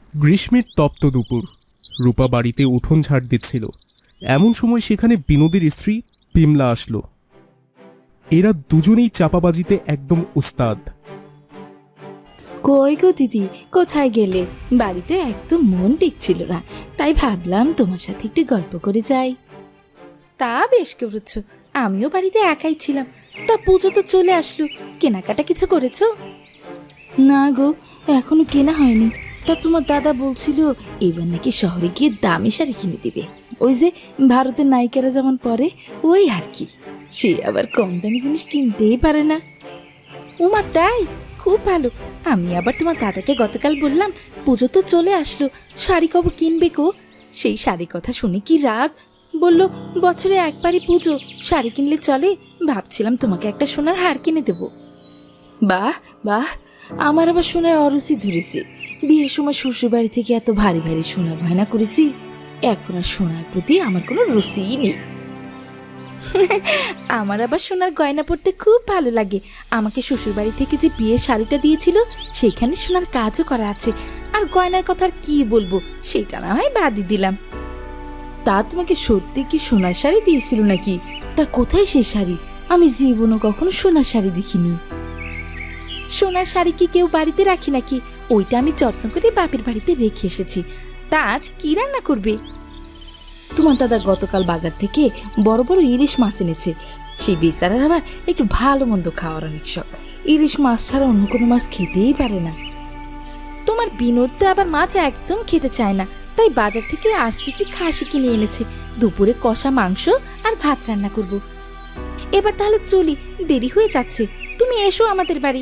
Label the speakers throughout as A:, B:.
A: গ্রীষ্মের তপ্ত দুপুর। রূপা বাড়িতে উঠোন ঝাড় দিচ্ছিল। এমন সময় সেখানে বিনোদের স্ত্রী বিমলা আসলো। এরা দুজনেই চাপাবাজিতে একদম উস্তাদ।
B: কই গো দিদি, কোথায় গেলে? বাড়িতে একদম মন টিকছিল না, তাই ভাবলাম তোমার সাথে একটু গল্প করে যাই। তা বেশ করেছো, আমিও বাড়িতে একাই ছিলাম। তা পুজো তো চলে আসলো, কেনাকাটা কিছু করেছো? না গো, এখনো কেনা হয়নি। তা তোমার দাদা বলছিল এবার নাকি শহরে গিয়ে দামি শাড়ি কিনে দিবে, ওই যে ভারতের নায়িকারা যেমন পরে ওই আর কি। সে আবার কম দামি জিনিস কিনতেই পারে না। উমা তাই? খুব ভালো। আমি আবার তোমার দাদাকে গতকাল বললাম পুজো তো চলে আসলো, শাড়ি কবে কিনবে গো? সেই শাড়ির কথা শুনে কি রাগ! বলল বছরে একবারই পুজো, শাড়ি কিনলে চলে। ভাবছিলাম তোমাকে একটা সোনার হার কিনে দেব। বাহ বাহ, আমার আবার সোনায় অরুচি ধরেছে। বিয়ের সময় শ্বশুর বাড়ি থেকে এত ভারী ভারী সোনা গয়না করেছি, এখন আর সোনার প্রতি আমার কোনো রুচিই নেই। আমার আবার সোনার গয়না পরতে খুব ভালো লাগে। আমাকে শ্বশুরবাড়ি থেকে যে বিয়ের শাড়িটা দিয়েছিল সেখানে সোনার কাজও করা আছে। আর গয়নার কথা আর কি বলবো, সেটা না হয় বাদই দিলাম। তা তোমাকে সত্যি কি সোনার শাড়ি দিয়েছিল নাকি? তা কোথায় সেই শাড়ি? আমি জীবনও কখনো সোনার শাড়ি দেখিনি। সোনার শাড়ি কি কেউ বাড়িতে রাখি নাকি? ওইটা আমি যত্ন করে বাপের বাড়িতে রেখে এসেছি। তা আজ কি রান্না করবে? তোমার দাদা গতকাল বাজার থেকে বড় বড় ইলিশ মাছ এনেছে। সেই বেচারার আবার একটু ভালো মন্দ খাওয়ার অনেক শখ। ইলিশ মাছ ছাড়া অন্য কোনো মাছ খেতেই পারে না। তোমার বিনোদ তো আবার মাছ একদম খেতে চায় না, তাই বাজার থেকে আজ একটি খাসি কিনে এনেছে। দুপুরে কষা মাংস আর ভাত রান্না করব। এবার তাহলে চলি, দেরি হয়ে যাচ্ছে। তুমি এসো আমাদের বাড়ি।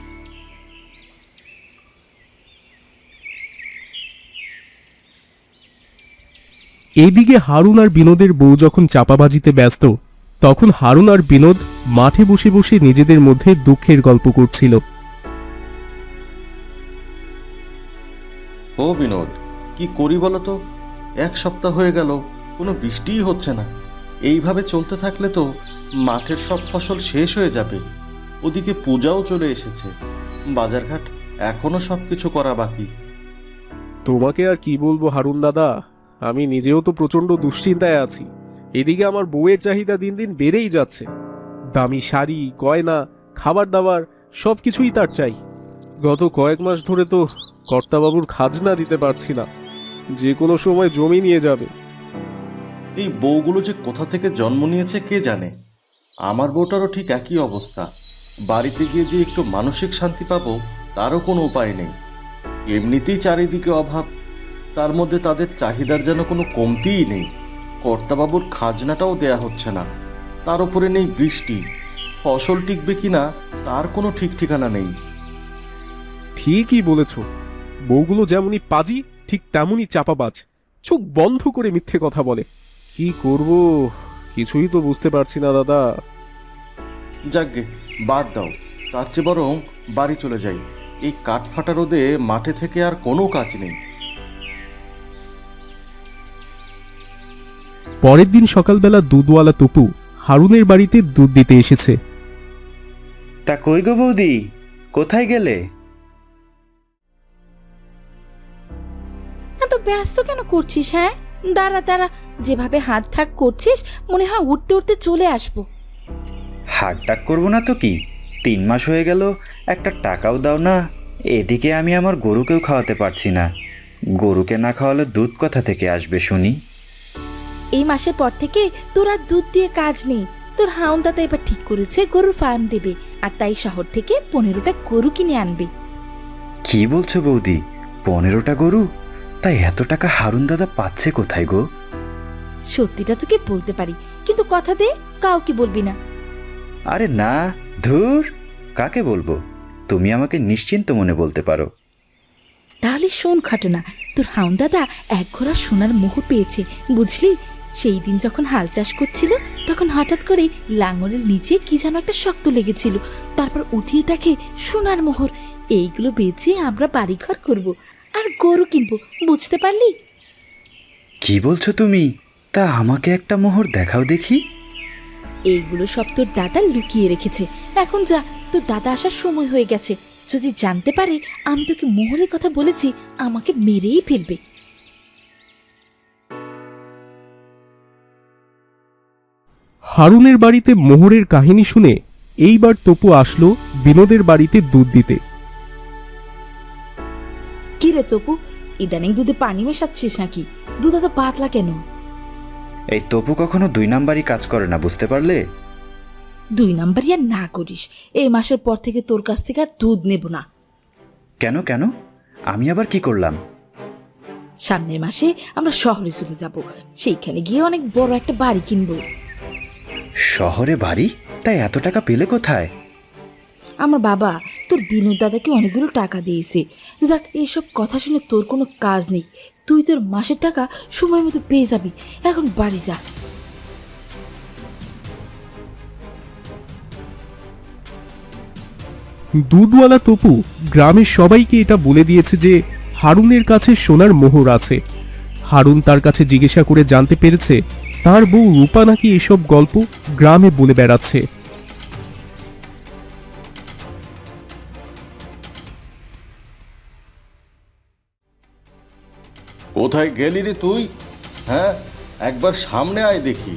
A: এইদিকে হারুন আর বিনোদের বউ যখন চাপাবাজিতে ব্যস্ত, তখন হারুন আর বিনোদ মাঠে বসে বসে নিজেদের মধ্যে দুঃখের গল্প করছিল।
C: ও বিনোদ, কি করি বলো তো? এক সপ্তাহ হয়ে গেল কোনো বৃষ্টিই হচ্ছে না। এইভাবে চলতে থাকলে তো মাঠের সব ফসল শেষ হয়ে যাবে। ওদিকে পূজাও চলে এসেছে, বাজারঘাট এখনো সব কিছু করা বাকি।
A: তোমাকে আর কি বলবো হারুন দাদা, আমি নিজেও তো প্রচন্ড দুশ্চিন্তায় আছি। এদিকে আমার বউয়ের চাহিদা দিন দিন বেড়েই যাচ্ছে। দামি শাড়ি, গয়না, খাবার দাবার সবকিছুই তার চাই। গত কয়েক মাস ধরে তো কর্তাবাবুর খাজনা দিতে পারছি না, যে কোনো সময় জমি নিয়ে যাবে।
C: এই বউগুলো যে কোথা থেকে জন্ম নিয়েছে কে জানে। আমার বউটারও ঠিক একই অবস্থা। বাড়িতে গিয়ে যে একটু মানসিক শান্তি পাবো তারও কোনো উপায় নেই। এমনিতেই চারিদিকে অভাব, তার মধ্যে তাদের চাহিদার যেন কোনো কমতিই নেই। কর্তাবাবুর খাজনাটাও দেয়া হচ্ছে না, তার উপরে নেই বৃষ্টি। ফসল টিকবে কিনা তার কোনো ঠিক ঠিকানা নেই।
A: ঠিকই বলেছ, বউগুলো যেমনই পাজি ঠিক তেমনই চাপাবাজ। চোখ বন্ধ করে মিথ্যে কথা বলে। কি করব কিছুই তো বুঝতে পারছি না দাদা।
C: যাকগে, বাদ দাও। তার চেয়ে বরং বাড়ি চলে যাই। এই কাঠফাটা রোদে মাঠে থেকে আর কোনো কাজ নেই।
A: পরের দিন সকালবেলা দুধওয়ালা তপু হারুনের বাড়িতে দুধ দিতে এসেছে।
D: তা কই গো বৌদি, কোথায় গেলে?
B: এত ব্যস্ত কেন করছিস? হ্যাঁ দাঁড়া দাঁড়া, যেভাবে হাত ঠাক করছিস মনে হয় উঠতে উঠতে চলে আসবো।
D: হাট ডাক করবো না তো কি? 3 মাস হয়ে গেল, একটা টাকাও দাও না। এদিকে আমি আমার গরুকেও খাওয়াতে পারছি না। গরুকে না খাওয়ালে দুধ কোথা থেকে আসবে শুনি?
B: এই মাসের পর থেকে তোর আর দুধ দিয়ে কাজ নেই। তোর হাউন দাদা এবার ঠিক করেছে গরুর ফার্ম দেবে, আর তাই শহর থেকে 15টা গরু কিনে আনবে।
D: কি বলছো বৌদি, 15টা গরু? তাই এত টাকা হারুন দাদা পাচ্ছে কোথায় গো?
B: সত্যিটা তোকে বলতে পারি, কিন্তু কথা দে কাউকে বলবি না।
D: আরে না, ধুর, কাকে বলবো? তুমি আমাকে নিশ্চিন্ত মনে বলতে পারো।
B: তাহলে শোন ঘটনা। তোর হাউন দাদা এক ঘোড়া সোনার মোহর পেয়েছে, বুঝলি? সেই দিন যখন হাল চাষ করছিল তখন হঠাৎ করে লাঙলের নিচে কি যেন একটা শক্ত লেগেছিল। তারপর উঠিয়ে দেখে সোনার মোহর। এইগুলো বেচে আমরা বাড়িঘর করব আর গরু কিনবো, বুঝতে পারলি?
D: কি বলছো তুমি? তা আমাকে একটা মোহর দেখাও দেখি।
B: এইগুলো সব তোর দাদা লুকিয়ে রেখেছে। এখন যা, তোর দাদা আসার সময় হয়ে গেছে। যদি জানতে পারে আমি তোকে মোহরের কথা বলেছি, আমাকে মেরেই ফেলবে।
A: হারুনের বাড়িতে মোহরের কাহিনী শুনে এইবার তপু আসলো বিনোদের বাড়িতে দুধ দিতে।
B: কি রে তপু, ইদানিং দুধে পানি মেশাচ্ছিস নাকি? দুধ এত পাতলা কেন?
D: এই তপু কখনো 2 নাম্বারই কাজ করে না, বুঝতে পারলে?
B: 2 নাম্বারই আর না করিস। এই মাসের পর থেকে তোর কাছ থেকে আর দুধ নেব না।
D: কেন কেন? আমি আবার কি করলাম?
B: সামনের মাসে আমরা শহরে চলে যাব, সেইখানে গিয়ে অনেক বড় একটা বাড়ি কিনবো।
D: শহরে বাড়ি? তাই এত টাকা পেলে কোথায়?
B: আমার বাবা তোর বিনোদ দাদাকে অনেকগুলো টাকা দিয়েছে। যাক, এইসব কথা শুনে তোর কোনো কাজ নেই। তুই তোর মাসের টাকা সময় মতো পেয়ে যাবি। এখন বাড়ি যা।
A: দুধওয়ালা তপু গ্রামের সবাইকে এটা বলে দিয়েছে যে হারুনের কাছে সোনার মোহর আছে। হারুন তার কাছে জিজ্ঞাসা করে জানতে পেরেছে তার বউ রূপা নাকি এসব গল্প গ্রামে বলে বেড়াচ্ছে।
C: কোথায় গেলি রে তুই? হ্যাঁ, একবার সামনে আয় দেখি।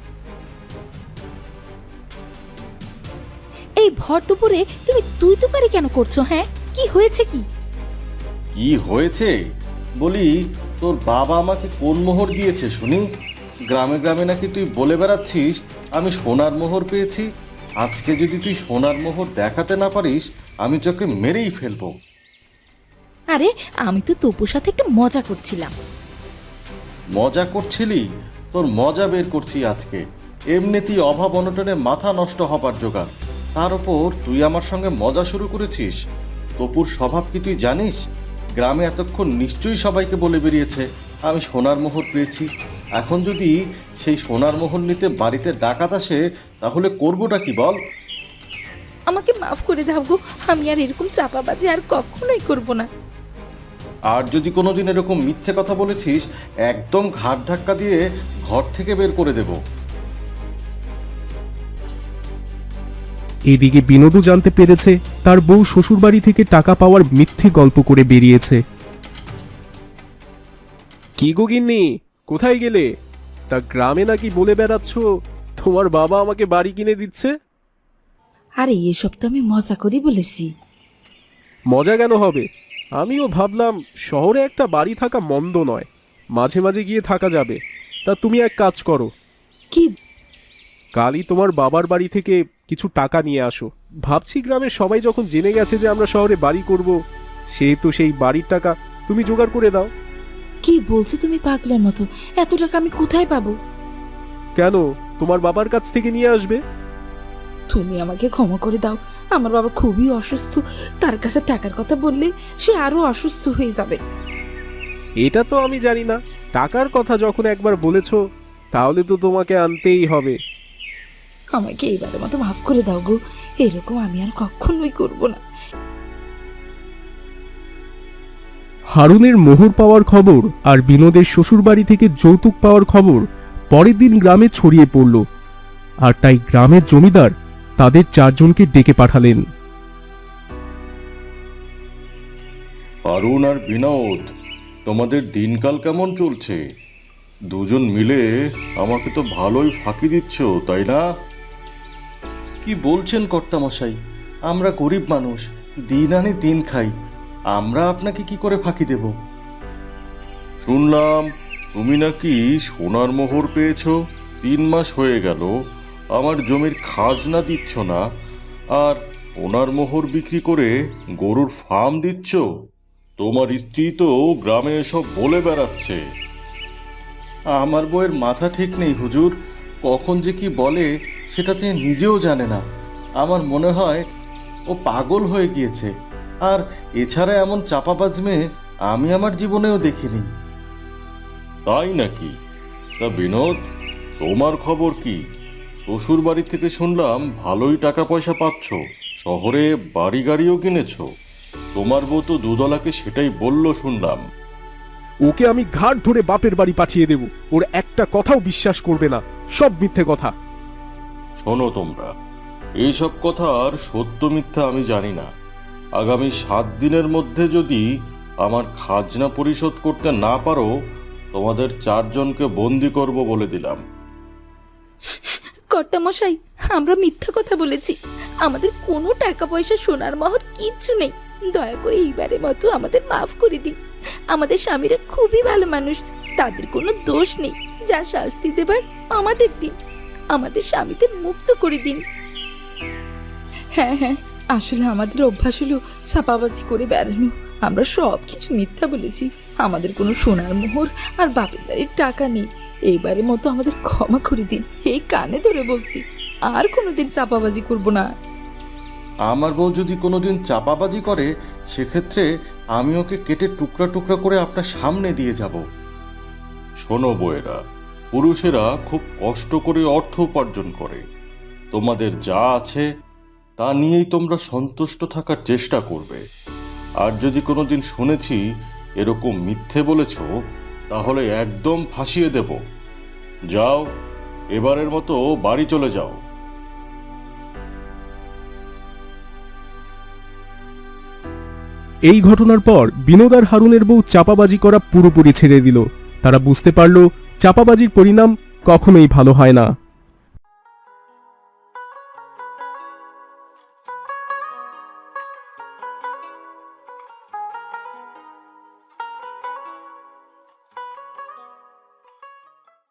B: এই ভর দুপুরে তুমি তুই তুকারি কেন করছো? হ্যাঁ, কি হয়েছে? কি
C: কি হয়েছে বলি, তোর বাবা আমাকে কোন মোহর দিয়েছে শুনি? গ্রামে গ্রামে নাকি তুই বলে বেড়াচ্ছিস আমি সোনার মোহর পেয়েছি। আজকে যদি তুই সোনার মোহর দেখাতে না পারিস, আমি তোকে মেরেই ফেলবো।
B: আরে, আমি তো তপুর সাথে একটু মজা করছিলাম।
C: মজা করছিলি? তোর মজা বের করছি আজকে। এমনিতেই অভাব অনটনে মাথা নষ্ট হবার জোগাড়, তার উপর তুই আমার সঙ্গে মজা শুরু করেছিস। তপুর স্বভাব কি তুই জানিস? গ্রামে এতক্ষণ নিশ্চয়ই সবাইকে বলে বেরিয়েছে আমি সোনার মোহর পেয়েছি। এখন যদি সেই সোনার মোহর নিতে বাড়িতে ডাকাত আসে, তাহলে করবোটা কি বল?
B: আমাকে মাফ করে দাও গো, আমি আর এরকম চাপাবাজি আর কখনোই করব না।
C: আর যদি কোনোদিন এরকম মিথ্যে কথা বলেছিস, একদম ঘাট ধাক্কা দিয়ে ঘর থেকে বের করে দেব।
A: এদিকে বিনোদও জানতে পেরেছে তার বউ শ্বশুরবাড়ি থেকে টাকা পাওয়ার মিথ্যে গল্প করে বেরিয়েছে। কি গো গিন্নি, কোথায় গেলে? তা গ্রামে নাকি বলে বেড়াচ্ছ তোমার বাবা আমাকে বাড়ি কিনে দিচ্ছে?
B: আরে এসব তো আমি মজা করি বলেছি।
A: মজা কেন হবে? আমিও ভাবলাম শহরে একটা বাড়ি থাকা মন্দ নয়, মাঝে মাঝে গিয়ে থাকা যাবে। তা তুমি এক কাজ করো,
B: কি?
A: কালই তোমার বাবার বাড়ি থেকে কিছু টাকা নিয়ে আসো। ভাবছি গ্রামের সবাই যখন জেনে গেছে যে আমরা শহরে বাড়ি করব, সেহেতু সেই বাড়ির টাকা তুমি জোগাড় করে দাও।
B: কি বলছো তুমি পাগলের মতো? এত টাকা আমি কোথায় পাবো?
A: কেন, তোমার বাবার কাছ থেকে নিয়ে আসবে।
B: তুমি আমাকে ক্ষমা করে দাও। আমার বাবা খুবই অসুস্থ, তার কাছে টাকার কথা বললে সে আরো অসুস্থ হয়ে যাবে।
A: এটা তো আমি জানি না, টাকার কথা যখন একবার বলেছ তাহলে তো তোমাকে আনতেই হবে।
B: আমাকে এইবারের মতো মাফ করে দাও গো, এরকম আমি আর কখনোই করব না।
A: হারুনের মোহর পাওয়ার খবর আর বিনোদের শ্বশুরবাড়ি থেকে যৌতুক পাওয়ার খবর পরের দিন গ্রামে ছড়িয়ে পড়ল, আর তাই গ্রামের জমিদার তাদের 4 জনকে ডেকে পাঠালেন।
C: অরুণ আর বিনোদ, তোমাদের দিনকাল কেমন চলছে? দুজন মিলে আমাকে তো ভালোই ফাঁকি দিচ্ছ, তাই না? কি বলছেন কর্তামশাই? আমরা গরিব মানুষ, দিন আনি দিন খাই, আমরা আপনাকে কি করে ফাঁকি দেব? শুনলাম তুমি নাকি সোনার মোহর পেয়েছো। 3 মাস হয়ে গেল আমার জমির খাজনা দিচ্ছ না, আর সোনার মোহর বিক্রি করে গরুর ফার্ম দিচ্ছ। তোমার স্ত্রী তো গ্রামে এসব বলে বেড়াচ্ছে। আমার বউয়ের মাথা ঠিক নেই হুজুর, কখন যে কি বলে সেটা তিনি নিজেও জানে না। আমার মনে হয় ও পাগল হয়ে গিয়েছে। আর এছাড়া এমন চাপাবাজ মেয়ে আমি আমার জীবনেও দেখিনি। তাই নাকি? তা বিনোদ, তোমার খবর কি? শ্বশুর বাড়ি থেকে শুনলাম ভালোই টাকা পয়সা পাচ্ছ, শহরে বাড়ি গাড়িও কিনেছো। তোমার বউ তো দুধওয়ালাকে সেটাই বলল শুনলাম।
A: ওকে আমি ঘাট ধরে বাপের বাড়ি পাঠিয়ে দেব, ওর একটা কথাও বিশ্বাস করবে না, সব মিথ্যে কথা।
C: শোনো তোমরা, এইসব কথার সত্য মিথ্যা আমি জানি না, আগামী 7 দিনের মধ্যে যদি আমার খাজনা পরিশোধ করতে না পারো, তোমাদের 4 জনকে বন্দি করব বলে দিলাম।
B: কর্তামশাই, আমরা মিথ্যা কথা বলেছি। আমাদের কোনো টাকা পয়সা, সোনার মোহর কিচ্ছু নেই। দয়া করে এইবারের মতো আমাদের মাফ করে দিন। আমাদের স্বামীরা খুবই ভালো মানুষ, তাদের কোনো দোষ নেই। যা শাস্তি দেবার আমাদের দিন, আমাদের স্বামীদের মুক্ত করে দিন। হ্যাঁ হ্যাঁ, আসলে আমাদের অভ্যাস হলো ছাপাবাজি করে বেড়ানো। আমরা সব কিছু মিথ্যা বলেছি। আমাদের কোনো সোনার মোহর আর বাপের বাড়ির টাকা নেই। এইবারের মতো আমাদের ক্ষমা করে দিন। এই কানে ধরে বলছি, আর কোনোদিন চাপাবাজি করব না।
C: আমার বউ যদি কোনোদিন চাপাবাজি করে, সেক্ষেত্রে আমি ওকে কেটে টুকরা টুকরা করে আপনার সামনে দিয়ে যাব। শোনো বউয়েরা, পুরুষেরা খুব কষ্ট করে অর্থ উপার্জন করে। তোমাদের যা আছে তা নিয়েই তোমরা সন্তুষ্ট থাকার চেষ্টা করবে। আর যদি কোনোদিন শুনেছি এরকম মিথ্যে বলেছ, তাহলে একদম ফাঁসিয়ে দেব। যাও, এবারের মতো বাড়ি চলে যাও।
A: এই ঘটনার পর বিনোদ আর হারুনের বউ চাপাবাজি করা পুরোপুরি ছেড়ে দিল। তারা বুঝতে পারল চাপাবাজির পরিণাম কখনোই ভালো হয় না।